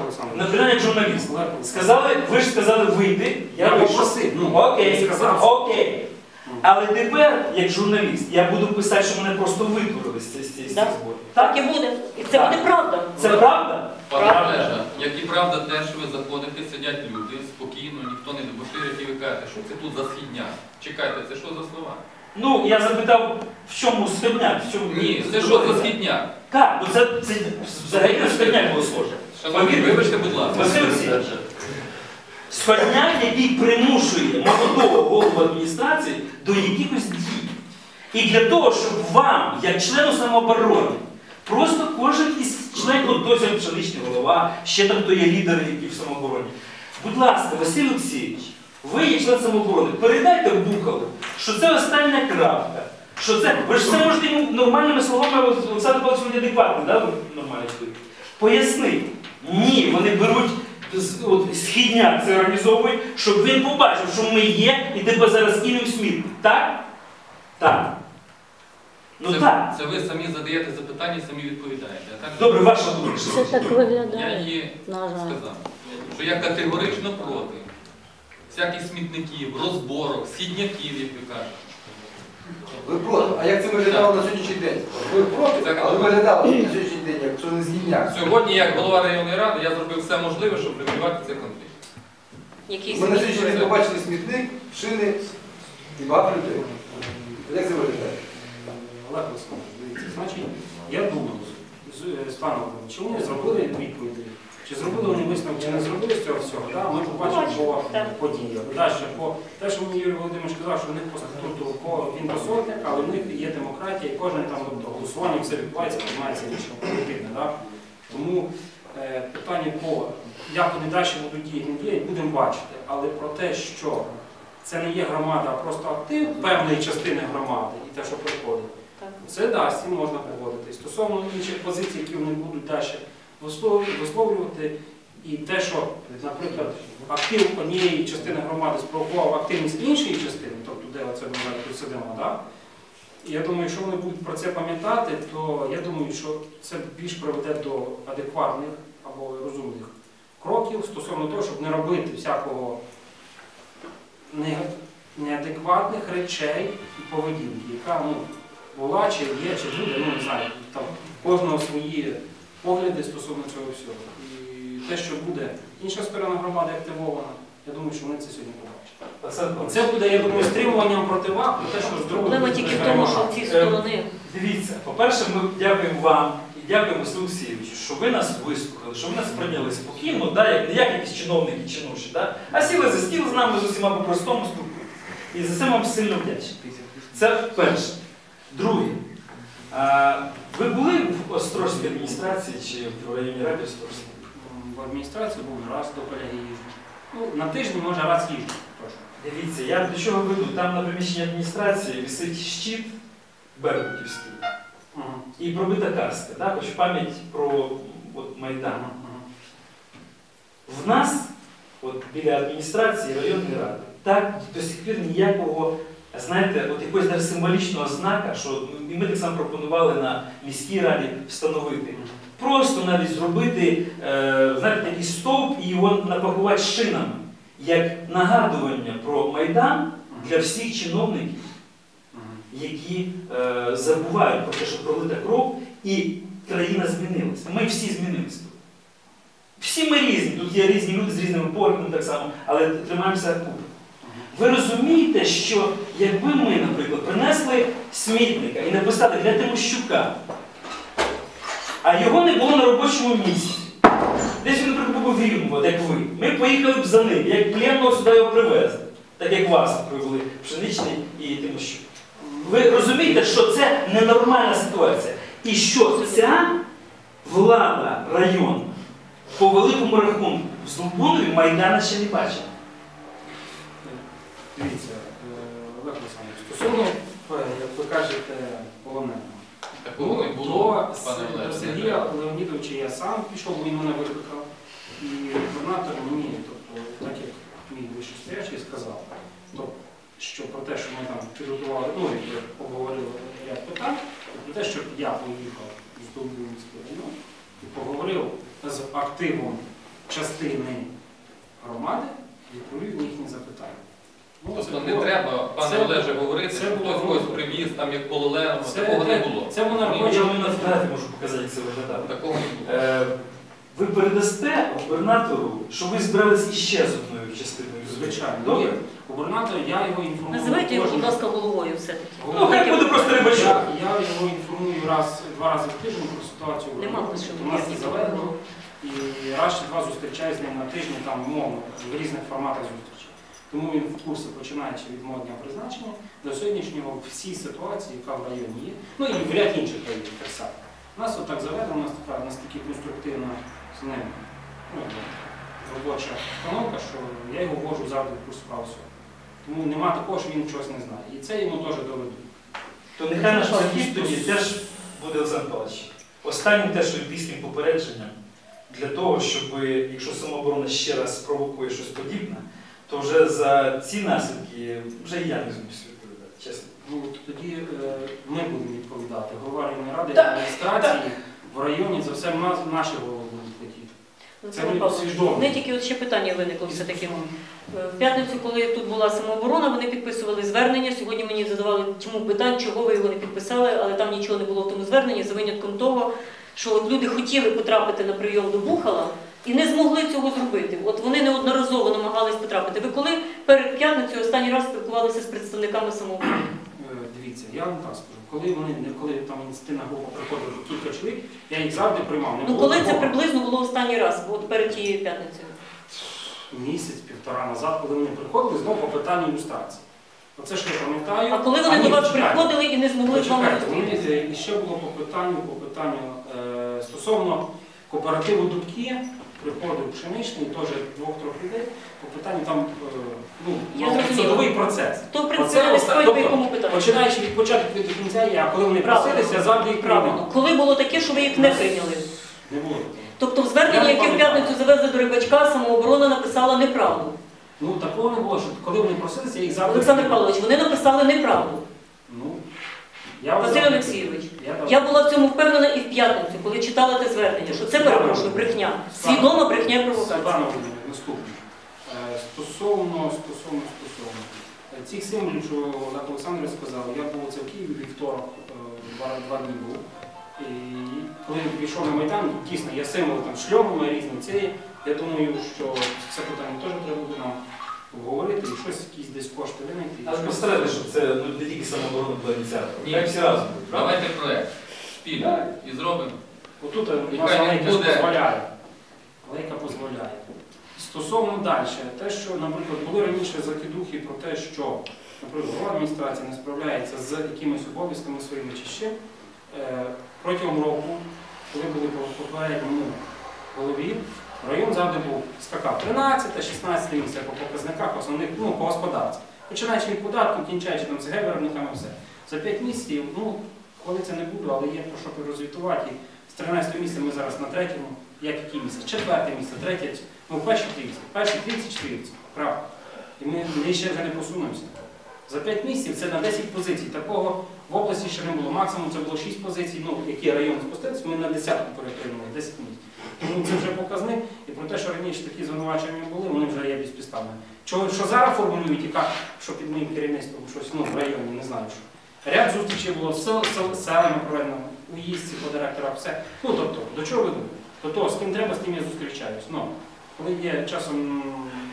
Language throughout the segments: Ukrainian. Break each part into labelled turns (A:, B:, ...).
A: Наприклад, як журналіст. Сказали, ви ж сказали вийти, я вийшов. Окей, окей. Але тепер, як журналіст, я буду писати, що мене просто витворили з цієї збору.
B: Так і буде. І це буде правда.
A: Це правда?
C: Правда. Як і правда те, що ви заходите, сидять люди, спокійно, ніхто не дебоширить, і ви кажете, що це тут за східня. Чекайте, це що за слова?
A: Ну, я запитав, в чому східняк?
C: Ні, це що за східняк?
A: Так, ну це взагалі на східняк було схоже.
C: Шановні, вибачте, будь ласка.
A: Василь Олексійович, східняк, який примушує молодого голову адміністрації до якихось дій. І для того, щоб вам, як члену самооборони, просто кожен із членів, от досі пшеничний голова, ще там хто є лідери, які в самообороні. Будь ласка, Василь Олексійович, ви є член самооборони, передайте в Бухалу, що це остання крапка. Що це, ви ж це можете йому нормальними словами, Олександр Павлович, він адекватний, да? Нормальний чоловік. Поясни. Ні, вони беруть східняк, це організовують, щоб він побачив, що ми є і тебе зараз кинемо в сміт. Так? Так. Ну так.
C: Це ви самі задаєте запитання і самі відповідаєте. Так?
A: Добре, ваша думка.
B: Це так виглядає.
C: Я її сказав, що я категорично проти всяких смітників, розборок, східняків, як ви кажете.
D: Ви проти. А як це виглядало на сьогоднішній день? Ви проти, але виглядало на сьогоднішній день, якщо не згідняк.
C: Сьогодні, як голова районної ради, я зробив все можливе, щоб врегулювати цей конфлікт.
D: Ми на сьогоднішній день побачили смітник, шини і багато людей. Як це виглядає?
E: Олег Олександрович, дивіться, значить, я думаю, з паном, чи вони зробили відповіді, чи зробили вони висновок, чи не зробили з цього всього, да? Ми побачимо по подіях. Далі, по те, що мені Юрій Володимирович сказав, що в них по статуту він посольник, але в них є демократія, і кожен там голосування, все відбувається, приймається рішення політичне. Да? Тому питання по, як вони далі будуть діяти, будемо бачити. Але про те, що це не є громада, а просто актив певної частини громади і те, що приходить, це да, з цим можна погодитись. Стосовно інших позицій, які вони будуть далі висловлювати, і те, що, наприклад, актив однієї частини громади спровокував активність іншої частини, тобто де оце ми тут сидимо, да? І я думаю, якщо вони будуть про це пам'ятати, то я думаю, що це більш приведе до адекватних або розумних кроків стосовно того, щоб не робити всякого неадекватних речей і поведінки, яка була, чи є, чи буде, не знаю, там кожного свої погляди стосовно цього всього. І те, що буде інша сторона громади активована, я думаю, що вони це сьогодні побачать. Це буде, я думаю, стримуванням противаг, те, що зробили.
B: Проблема тільки в тому, що ці сторони.
A: Дивіться, по-перше, ми дякуємо вам і дякуємо Василю Олексійовичу, що ви нас вислухали, що ви нас прийняли спокійно, да, не як якісь чиновники чи ноші, да, а сіли за стіл з нами з усіма по-простому спілкуємося. І за це вам сильно вдячний. Це перше. Друге. Ви були в Острозькій адміністрації чи в районній раді Острозькій?
E: В адміністрації був раз до колеги їжджу. На тиждень, може, раз їжджу.
A: Дивіться, я до чого веду. Там на приміщенні адміністрації висить щит беркутівський і пробита каска, да? Хоч в пам'ять про Майдан. В нас, біля адміністрації районної ради, так до сих пір ніякого, знаєте, якогось навіть символічного знака, що і ми так само пропонували на міській раді встановити. Просто навіть зробити, знаєте, такий стовп і його напакувати шинами, як нагадування про Майдан для всіх чиновників, які забувають про те, що пролита кров і країна змінилася. Ми всі змінилися. Всі ми різні, тут є різні люди з різними поглядами так само, але тримаємося купи. Ви розумієте, що якби ми, наприклад, принесли смітника і написали для Тимощука, а його не було на робочому місці, десь він, наприклад, був в Рівному, як ви, ми поїхали б за ним, як пленного сюди його привезли, так як вас привели Пшеничний і Тимощук. Ви розумієте, що це ненормальна ситуація. І що ця влада району по великому рахунку в Здолбунові Майдана ще не бачила.
E: Дивіться, Олег Олександрович, стосовно, як ви кажете, полоненого.
C: Такого не було,
E: До Сергія Леонідовича я сам пішов, він мене викликав. І губернатор мені, тобто, так як мій вищестоячий сказав, що про те, що ми там підготували, обговорили ряд питань, про те, щоб я поїхав з Долбунівського району і поговорив з активом частини громади, відповів на їхні запитання. Ну,
C: Тобто
E: це
C: не
E: було-
C: треба, пане
E: це-
C: Олеже, говорити,
E: це
C: що
E: було-
C: хтось когось привіз, там як полулево,
E: Це-
C: такого не було.
E: Це було на
A: Я
E: робочому.
A: вам на фотографії можу показати, як це виглядало.
C: Такого не було.
A: Ви передасте губернатору, що ви збирались іще з одною частиною.
E: Звичайно.
A: Добре?
E: Ні, губернатор, я його інформую.
B: Називайте його, будь
E: кожен-
B: ласка, головою все-таки.
A: Ну, хай буде просто Рибачук.
E: Я його інформую два рази в тиждень про ситуацію. в
B: Нема
E: районі.
B: лише
E: У нас це заведено. І раз чи два зустрічаю з ним на тижні, там, умовно, в різних форматах зустрічі. Тому він в курсі, починаючи від мого дня призначення, до сьогоднішнього всі ситуації, яка в районі є, ну і в ряд інших районів так само. У нас отак заведено, у нас така настільки конструктивна з ним робоча установка, що я його ввожу завжди в курс справ всього. Тому нема такого, що він чогось не знає. І це йому теж доведу.
A: То нехай наш захід тоді теж буде Олександр Павлович. Останнім теж олімпійським попередженням для того, щоб, якщо самооборона ще раз спровокує щось подібне, то вже за ці наслідки вже і я не змусь відповідати, чесно.
E: Ну, тоді ми будемо відповідати. Голова районної ради
A: Так,
E: адміністрації в районі за все наші голови будуть хотіти. Це
B: Олександр
E: вони
B: Павлович,
E: свідомо.
B: мене тільки от ще питання виникло все-таки. В п'ятницю, коли тут була самооборона, вони підписували звернення. Сьогодні мені задавали чому питань, чого ви його не підписали, але там нічого не було в тому зверненні, за винятком того, що от люди хотіли потрапити на прийом до Бухала і не змогли цього зробити. От вони неодноразово намагались потрапити. Ви коли перед п'ятницею останній раз спілкувалися з представниками самооборони?
E: Дивіться, я вам так скажу. Коли там ініціативна група приходила кілька чоловік, я їх завжди приймав. Не
B: Ну
E: було
B: коли це
E: такого.
B: приблизно було останній раз, от перед тією п'ятницею?
E: Місяць-півтора назад, коли вони приходили, знову по питанню ілюстрації. Оце ж я пам'ятаю.
B: А коли вони до вас
E: почекайте.
B: приходили і не змогли з вами
E: Почекайте,
B: зустрітися?
E: і ще було по питанню стосовно кооперативу Дубки, приходив Пшеничний, теж двох-трьох людей, по питанню там
B: Я зрозуміла.
E: судовий процес.
B: То, в принципі,
E: Оце
B: не
E: оста-
B: стоїть по
E: тобто,
B: якому питанню.
E: Починаючи від початку від кінця, а коли вони
B: Правильно.
E: просилися, я завжди їх
B: Правильно.
E: приймав.
B: Коли було таке, що ви їх не прийняли?
E: Не було такого.
B: Тобто в зверненні,
E: Я не
B: яке в
E: пам'ятаю.
B: п'ятницю завезли до Рибачка, самооборона написала неправду.
E: Ну такого не було, що коли вони просилися, я їх завжди
B: Олександр
E: приймав.
B: Павлович, вони написали неправду.
E: Ну, я вас
B: Василь
E: завжди
B: Олексійович,
E: приймав.
B: я була в цьому впевнена і в п'ятницю, коли читала те звернення, що це, перепрошую, брехня. Свідома брехня і провокація.
E: Світлана Володимирівна, наступне. Стосовно цих символів, що Олег Олександрович сказав, я був це в Києві вівторок, два дні був. І коли він пішов на Майдан, дійсно, є символи там шльомами різні цієї. Я думаю, що це питання теж треба буде нам обговорити і щось, якісь десь кошти винайти.
A: Але постарайтеся, щоб це не тільки самооборона була ініціатором.
C: Ні.
A: Так всі разом будуть, правда?
C: Давайте проект спільно і зробимо.
E: Отут у
C: І
E: нас
C: хай він
E: Алейка
C: буде.
E: дозволяє. Алейка дозволяє. Стосовно далі, те, що, наприклад, були раніше закидухи про те, що, наприклад, голова адміністрації не справляється з якимись обов'язками своїми чи ще, протягом року, коли були по попередньому голові, район завжди був скакав 13-16 місце по показниках основних, ну, по господарству. Починаючи від податку, кінчаючи там ЦГ виробниками, все. За 5 місяців, ну, хвалитися не буду, але є про що розвітувати. З 13 місця ми зараз на третьому, як який місяць? Четверте місце, третє, ну, перші 30, перші 30-40, правда. І ми ще вже не посунемося. За 5 місяців це на 10 позицій. Такого в області ще не було. Максимум це було 6 позицій, ну, які район спустився, ми на 10-ку перетримали, 10 місяців. Тому це вже показник. І про те, що раніше такі звинувачення були, вони вже є безпідставними. Що зараз формулюють, і як, що під моїм керівництвом щось, ну, в районі, не знаю що. Ряд зустрічей було з селами проведено, у їздці по директорах, все. Ну, тобто, до чого веду? До того, з ким треба, з тим я зустрічаюсь. Ну, коли є часом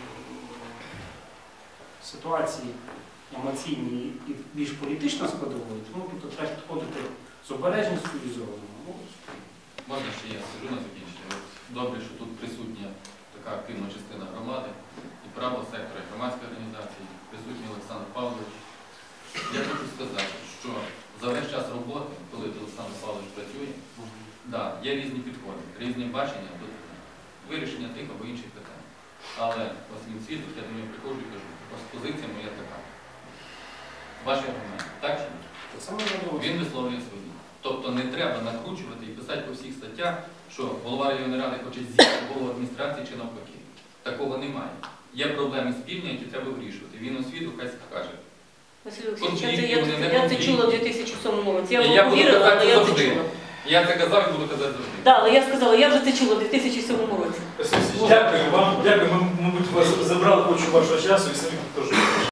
E: ситуації емоційні і більш політично складової, тому тут треба підходити з обережністю і з розумом.
C: Можна ще я скажу на закінчення. От добре, що тут присутня така активна частина громади і правого сектора, і громадської організації, присутній Олександр Павлович. Я хочу сказати, що за весь час роботи, коли Олександр Павлович працює, да, є різні підходи, різні бачення до вирішення тих або інших питань. Але ось він світить, я до нього приходжу і кажу, ось позиція моя така. Ваші аргументи, так чи ні? Він висловлює свої. Тобто не треба накручувати і писати по всіх статтях, що голова районної ради хоче з'їсти голову адміністрації чи навпаки. Такого немає. Є проблеми спільні, які треба вирішувати. Він освіту хай скаже.
B: Василь Олексійович,
C: Конфлікти, вони не
B: я це
C: конфлікти.
B: чула в 2007 році. Я
C: І
B: вам
C: я буду
B: повірила,
C: казати
B: але я це
C: завжди.
B: чула.
C: Я це казав і буду казати завжди.
B: Так, але я сказала, я вже це чула в 2007 році.
A: Дякую вам, дякую. Ми, мабуть, вас забрали кучу вашого часу і самі теж.